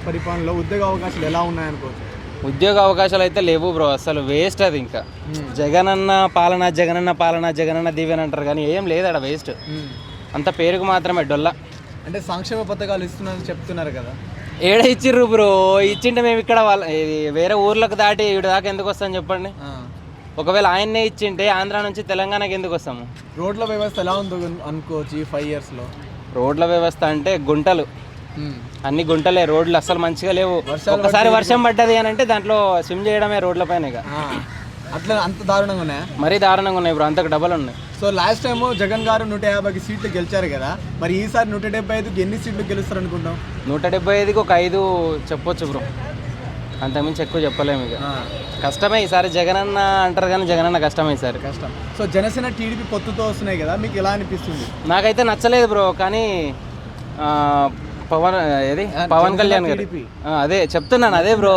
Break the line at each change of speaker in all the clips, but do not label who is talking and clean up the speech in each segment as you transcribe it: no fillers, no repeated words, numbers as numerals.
పరిపాలనలో ఉద్యోగ అవకాశాలు ఎలా ఉన్నాయనుకోవచ్చు?
ఉద్యోగ అవకాశాలు అయితే లేవు బ్రో, అసలు వేస్ట్ అది. ఇంకా జగనన్న పాలన జగనన్న పాలన జగనన్న దీవెన అంటారు కానీ ఏం లేదు అక్కడ, వేస్ట్. అంత పేరుకు మాత్రమే డొల్ల.
అంటే సంక్షేమ పథకాలు ఇస్తున్నారని చెప్తున్నారు కదా,
ఏడ ఇచ్చిర్రు బ్రో? ఇచ్చింటే మేము ఇక్కడ వాళ్ళ వేరే ఊర్లకు దాటి ఇటు దాకా ఎందుకు వస్తాం చెప్పండి? ఒకవేళ ఆయన్నే ఇచ్చింటే ఆంధ్ర నుంచి తెలంగాణకి ఎందుకు వస్తాము?
రోడ్ల వ్యవస్థ ఎలా ఉందో అనుకోవచ్చు ఈ 5 yearsలో?
రోడ్ల వ్యవస్థ అంటే గుంటలు, అన్ని గుంటలే, రోడ్లు అసలు మంచిగా లేవు. ఒకసారి వర్షం పడ్డది అని అంటే దాంట్లో స్విమ్ చేయడమే రోడ్ల పైన.
అట్లా అంత దారుణంగా ఉన్నాయా?
మరీ దారుణంగా ఉన్నాయి బ్రో, అంతకు డబల్ ఉన్నాయి.
సో లాస్ట్ టైం జగన్ గారు 150 సీట్లు గెలిచారు కదా, మరి ఈసారి 175కి ఎన్ని సీట్లు గెలుస్తారు అనుకుంటాం?
175కి ఒక 5 చెప్పొచ్చు బ్రో, అంతకుమించి ఎక్కువ చెప్పలేము. ఇక కష్టమే ఈసారి. జగనన్న అంటారు కానీ జగనన్న కష్టమే ఈసారి, కష్టం.
సో జనసేన టీడీపీ పొత్తుతో వస్తున్నాయి కదా, మీకు ఎలా అనిపిస్తుంది?
నాకైతే నచ్చలేదు బ్రో, కానీ పవన్ కళ్యాణ్ గారు అదే చెప్తున్నాను, అదే బ్రో.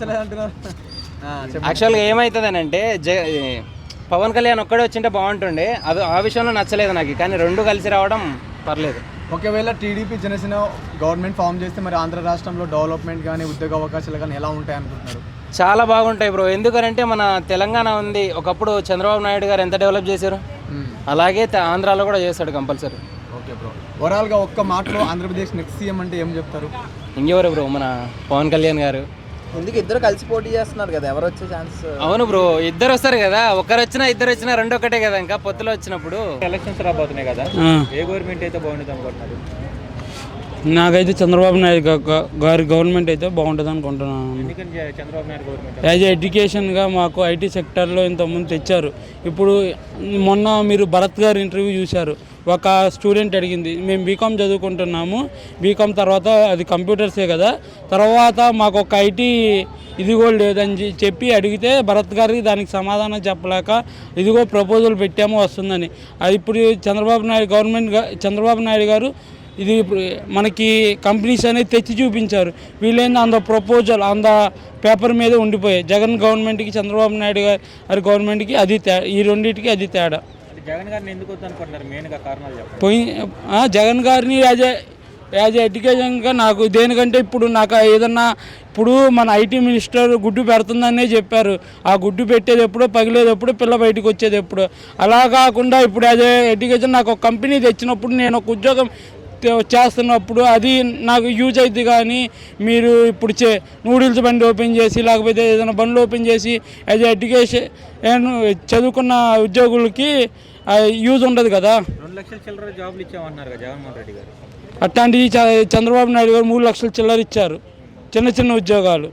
యాక్చువల్గా ఏమవుతుందని అంటే పవన్ కళ్యాణ్ ఒక్కడే వచ్చింటే బాగుంటుండే, అది ఆ విషయంలో నచ్చలేదు నాకు. కానీ రెండు కలిసి రావడం పర్లేదు.
ఒకవేళ టీడీపీ జనసేన గవర్నమెంట్ ఫామ్ చేస్తే మరి ఆంధ్ర రాష్ట్రంలో డెవలప్మెంట్ కానీ ఉద్యోగ అవకాశాలు కానీ ఎలా ఉంటాయి అనుకుంటున్నారు?
చాలా బాగుంటాయి బ్రో, ఎందుకంటే మన తెలంగాణ ఉంది, ఒకప్పుడు చంద్రబాబు నాయుడు గారు ఎంత డెవలప్ చేశారు, అలాగే ఆంధ్రాలో కూడా చేస్తాడు కంపల్సరీ.
ఓకే బ్రో, ఓవరాల్గా ఒక్క మాటలో ఆంధ్రప్రదేశ్ నెక్స్ట్ సీఎం అంటే ఏం చెప్తారు?
ఇంకెవరు బ్రో, మన పవన్ కళ్యాణ్ గారు.
ఎందుకు ఇద్దరు కలిసి పోటీ చేస్తున్నారు కదా, ఎవరు వచ్చే ఛాన్స్?
అవును బ్రో, ఇద్దరు వస్తారు కదా, ఒకరు వచ్చినా ఇద్దరు వచ్చినా రెండు ఒకటే కదా. ఇంకా పొత్తులో వచ్చినప్పుడు
ఎలక్షన్స్ రాబోతున్నాయి కదా, ఏ గవర్నమెంట్ అయితే బాగుంటుంది అనుకుంటున్నారు?
నాకైతే చంద్రబాబు నాయుడు గారి గవర్నమెంట్ అయితే బాగుంటుంది అనుకుంటున్నాను.
ఎందుకంటే చంద్రబాబు నాయుడు గవర్నమెంట్
యాజ్ ఎడ్యుకేషన్గా మాకు ఐటీ సెక్టర్లో ఇంతకుముందు తెచ్చారు. ఇప్పుడు మొన్న మీరు భరత్ గారు ఇంటర్వ్యూ చూశారు, ఒక స్టూడెంట్ అడిగింది, మేము బీకామ్ చదువుకుంటున్నాము, బీకామ్ తర్వాత అది కంప్యూటర్సే కదా, తర్వాత మాకు ఒక ఐటీ ఇదిగో లేదని చెప్పి అడిగితే భరత్ గారికి దానికి సమాధానం చెప్పలేక ఇదిగో ప్రపోజల్ పెట్టాము వస్తుందని. అది ఇప్పుడు చంద్రబాబు నాయుడు గారు ఇది ఇప్పుడు మనకి కంపెనీస్ అనేది తెచ్చి చూపించారు. వీళ్ళేంది అంత ప్రపోజల్ అంత పేపర్ మీద ఉండిపోయాయి. జగన్ గవర్నమెంట్కి చంద్రబాబు నాయుడు గారి గవర్నమెంట్కి అది ఈ రెండింటికి అది తేడా.
జగన్ గారిని ఎందుకు వద్దనుకుంటున్నారు? మెయిన్గా కారణాలు చెప్పండి.
జగన్ గారిని యాజ్ ఎడ్యుకేషన్గా నాకు దేనికంటే ఇప్పుడు నాకు ఏదన్నా ఇప్పుడు మన ఐటీ మినిస్టర్ గుడ్డు పెడుతుందనే చెప్పారు. ఆ గుడ్డు పెట్టేది ఎప్పుడో, పగిలేది ఎప్పుడు, పిల్ల బయటకు వచ్చేది ఎప్పుడు. అలా కాకుండా ఇప్పుడు యాజ్ ఎడ్యుకేషన్ నాకు ఒక కంపెనీ తెచ్చినప్పుడు, నేను ఒక ఉద్యోగం చేస్తున్నప్పుడు అది నాకు యూజ్ అవుతుంది. కానీ మీరు ఇప్పుడు నూడిల్స్ బండి ఓపెన్ చేసి లేకపోతే ఏదైనా బండ్లు ఓపెన్ చేసి యాజ్ ఎడ్యుకేషన్ చదువుకున్న ఉద్యోగులకి యూజ్ ఉండదు కదా.
2 లక్షల చిల్లర జాబులు ఇచ్చామన్నారు కదా జగన్మోహన్ రెడ్డి గారు.
అట్లాంటివి చంద్రబాబు నాయుడు గారు 3 లక్షల చిల్లర ఇచ్చారు, చిన్న చిన్న ఉద్యోగాలు.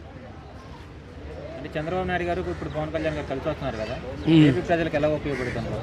అంటే చంద్రబాబు నాయుడు గారు ఇప్పుడు పవన్ కళ్యాణ్ గారు కలిసి వస్తున్నారు కదా, ఏపీ ప్రజలకు ఎలా ఉపయోగపడుతున్నారు?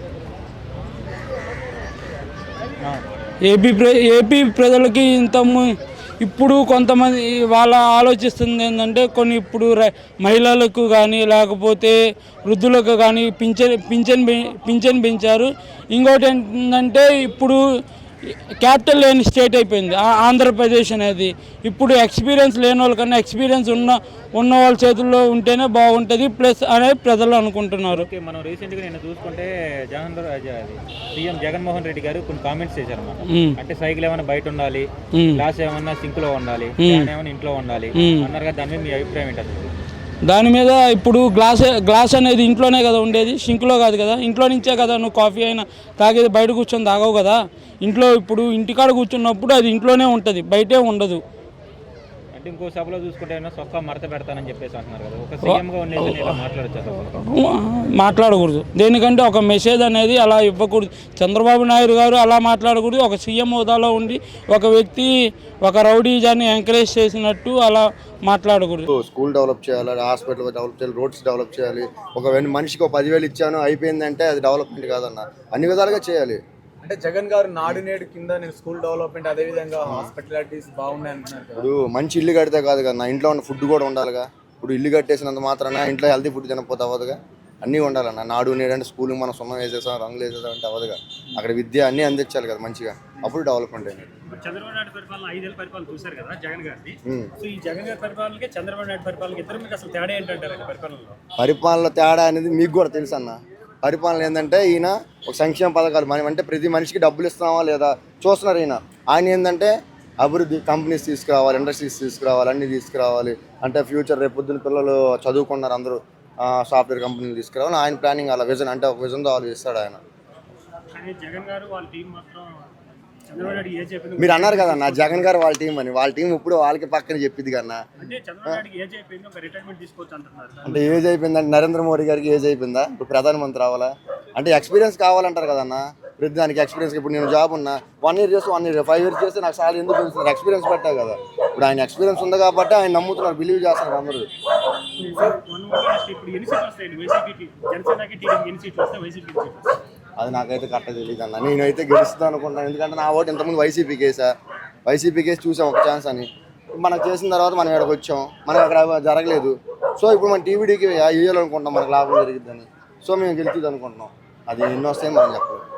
ఏపీ ప్రజలకి ఇప్పుడు కొంతమంది వాళ్ళ ఆలోచిస్తుంది ఏంటంటే కొన్ని ఇప్పుడు మహిళలకు కానీ లేకపోతే వృద్ధులకు కానీ పింఛన్ పెంచారు. ఇంకోటి ఏంటంటే ఇప్పుడు క్యాపిటల్ లేని స్టేట్ అయిపోయింది ఆంధ్రప్రదేశ్ అనేది. ఇప్పుడు ఎక్స్పీరియన్స్ లేని వాళ్ళకన్నా ఎక్స్పీరియన్స్ ఉన్న వాళ్ళ చేతుల్లో ఉంటేనే బాగుంటుంది ప్లస్ అనేది ప్రజలు అనుకుంటున్నారు.
మనం రీసెంట్గా నేను చూసుకుంటే సీఎం జగన్మోహన్ రెడ్డి గారు కొన్ని కామెంట్స్ చేశారు అన్నమాట. అంటే సైకిల్ ఏమైనా బయట ఉండాలి, గ్లాస్ ఏమన్నా సింక్ లో ఉండాలి, ఏమైనా ఇంట్లో ఉండాలి అన్నారు కదా, దాని మీద మీ అభిప్రాయం ఏంటి?
దాని మీద ఇప్పుడు గ్లాస్ అనేది ఇంట్లోనే కదా ఉండేది, సింక్లో కాదు కదా. ఇంట్లో నుంచే కదా నువ్వు కాఫీ అయినా తాగేది, బయట కూర్చొని తాగవు కదా. ఇంట్లో ఇప్పుడు ఇంటికాడ కూర్చున్నప్పుడు అది ఇంట్లోనే ఉంటుంది, బయటే ఉండదు.
అంటే ఇంకో సభలో చూసుకుంటే సొక్కా మడత పెడతానని చెప్పేసి అంటున్నారు కదా, ఒక సీఎంగా ఉండేది
మాట్లాడకూడదు. దేనికంటే ఒక మెసేజ్ అనేది అలా ఇవ్వకూడదు. చంద్రబాబు నాయుడు గారు అలా మాట్లాడకూడదు. ఒక సీఎం హోదాలో ఉండి ఒక వ్యక్తి ఒక రౌడీజాన్ని ఎంకరేజ్ చేసినట్టు అలా మాట్లాడకూడదు.
స్కూల్ డెవలప్ చేయాలి, హాస్పిటల్ డెవలప్ చేయాలి, రోడ్స్ డెవలప్ చేయాలి. ఒక మనిషికి 10,000 ఇచ్చాను అయిపోయిందంటే అది డెవలప్మెంట్ కాదన్న, అన్ని విధాలుగా చేయాలి.
అంటే జగన్ గారు నాడు నేడు కింద నేను స్కూల్ డెవలప్మెంట్ అదే విధంగా హాస్పిటాలిటీస్ బాగున్నాయి అంటున్నారు కదా.
ఇప్పుడు మంచి ఇల్లు కడితే కాదు కదా, నా ఇంట్లో ఉన్న ఫుడ్ కూడా ఉండాలిగా. ఇప్పుడు ఇల్లు కట్టేసినంత మాత్రాన ఇంట్లో హెల్తీ ఫుడ్ తినకపోతే అవ్వదుగా. అన్నీ ఉండాలన్న. నాడు నేడు అంటే స్కూల్కి మనం సున్నం వేసేసాం, రంగులు వేసేసాం అంటే అవ్వదుగా. అక్కడ విద్య అన్నీ అందించాలి కదా మంచిగా, అప్పుడు డెవలప్మెంట్ అయింది.
చంద్రబాబు నాయుడు పరిపాలన 5 ఏళ్ళ పరిపాలన చూశారు కదా జగన్ గారిని. సో ఈ జగన్ గారి పరిపాలనకి చంద్రబాబు నాయుడు పరిపాలనకి ఇద్దరు మీకు అసలు తేడా ఏంటంటారు?
పరిపాలన తేడా అనేది మీకు కూడా తెలుసు అన్న. పరిపాలన ఏంటంటే ఈయన ఒక సంక్షేమ పథకాలు మనం అంటే ప్రతి మనిషికి డబ్బులు ఇస్తున్నావా లేదా చూస్తున్నారు. ఆయన ఏంటంటే అభివృద్ధి కంపెనీస్ తీసుకురావాలి, ఇండస్ట్రీస్ తీసుకురావాలి, అన్నీ తీసుకురావాలి. అంటే ఫ్యూచర్ రేపు పొద్దున్న పిల్లలు చదువుకున్నారు అందరూ, సాఫ్ట్వేర్ కంపెనీలు తీసుకురావాలి. ఆయన ప్లానింగ్ అలా విజన్, అంటే ఒక విజన్తో ఆలోచిస్తాడు ఆయన. మీరు అన్నారు కదా నా జగన్ గారు వాళ్ళ టీం అని, వాళ్ళ టీం ఇప్పుడు వాళ్ళకి పక్కన చెప్పింది కన్నా. అంటే ఏజ్ అయిపోయిందంటే నరేంద్ర మోడీ గారికి ఏజ్ అయిపోయిందా? ఇప్పుడు ప్రధానమంత్రి అవ్వాలా అంటే ఎక్స్పీరియన్స్ కావాలంటారు కదన్నా. ప్రతి దానికి ఎక్స్పీరియన్స్. ఇప్పుడు నేను జాబ్ ఉన్నా 1 year చేస్తే 1 year, 5 years చేస్తే నాకు చాలా ఎందుకు తెలుస్తుంది, ఎక్స్పీరియన్స్ పెట్టావు కదా. ఇప్పుడు ఆయన ఎక్స్పీరియన్స్ ఉంది కాబట్టి ఆయన నమ్ముతున్నారు, బిలీవ్ చేస్తున్నారు అందరూ. అది నాకైతే కరెక్ట్గా తెలియదు అన్న. నేనైతే గెలుస్తాను అనుకుంటున్నాను, ఎందుకంటే నా ఓటు ఇంతకుముందు వైసీపీకి వేసా. వైసీపీకి వేసి చూసాం ఒక ఛాన్స్ అని. మనకు చేసిన తర్వాత మనం ఇక్కడికి వచ్చాం, మనకు అక్కడ జరగలేదు. సో ఇప్పుడు మన టీవీడీకి వేయాలనుకుంటున్నాం, మనకు లాభం జరిగిద్దని. సో మేము గెలుతుంది అనుకుంటున్నాం. అది ఎన్నో వస్తాయని మనం చెప్పలేదు.